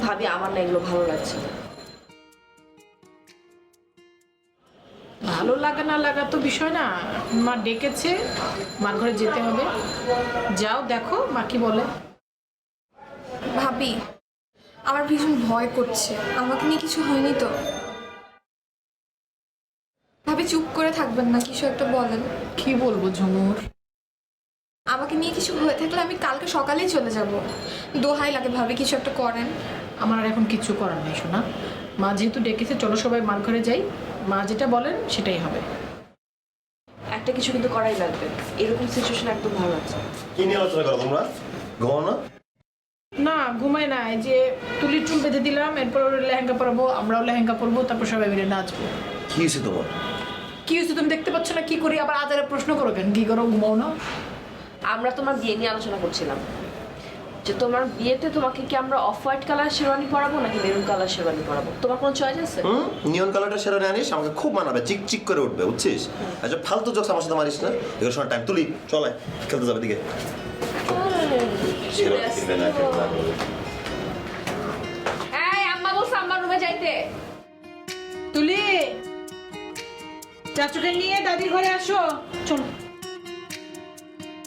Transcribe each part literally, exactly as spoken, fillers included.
ভাবি আমার না এগুলো ভালো লাগছে না। ভালো লাগা না লাগা তো বিষয় না, মা ডেকেছে, মার ঘরে যেতে হবে। যাও দেখো মা কি বলে। ভাবি আমার ভীষণ ভয় করছে, আমাকে নিয়ে কিছু হয়নি তো? ভাবি চুপ করে থাকবেন না, কিছু একটা বলেন। কি বলবো ঝুমুর? আমাকে নিয়ে কিছু হয়ে থাকলে আমি কালকে সকালেই চলে যাব। দোহাই লাগে ভাবি কিছু একটা করেন। আমার আর এখন কিচ্ছু করার নেই শোনা। মা যেহেতু ডেকেছে চলো সবাই মার ঘরে যাই, মা যেটা বলেন সেটাই হবে। একটা কিছু কিন্তু করাই লাগবে, এরকম সিচুয়েশন একদম ভালো লাগছে না। কি নিয়ে আলোচনা করো তোমরা? ঘুমাও না? না ঘুমায় না, এই যে তুলির চুল বেঁধে দিলাম, এরপর ওর লেহেঙ্গা পরাবো, আমরাও লেহেঙ্গা পরবো, তারপর সবাই মিলে নাচবো। কি হয়েছে তোমার? কি হয়েছে তুমি দেখতে পাচ্ছ না? কি করি আবার আজারে প্রশ্ন করো কেন? কি করো, ঘুমাও না? আমরা তোমার বিয়ে নিয়ে আলোচনা করছিলাম যে তোমার বিয়েতে তোমাকে কি আমরা অফ হোয়াইট কালার শেরওয়ানি পরাবো নাকি মেরুন কালার শেরওয়ানি পরাবো, তোমার কোনো চয়েস আছে? হুম নিয়ন কালারটা সেরা আনিস, আমাকে খুব মানাবে, চিক চিক করে উঠবে, বুঝছিস? আচ্ছা ফালতু জোকস আমার সাথে মারিস না, এগুলো শোনার টাইম। তুলি চলে খেলতে যাবে দিকে। এই আম্মা বলছে আম্মার রুমে যাইতে। তুলি চাচুকে নিয়ে দাদির ঘরে আসো, চলো।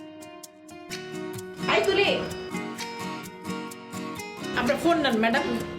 এই তুলি আপনার ফোন নেন ম্যাডাম।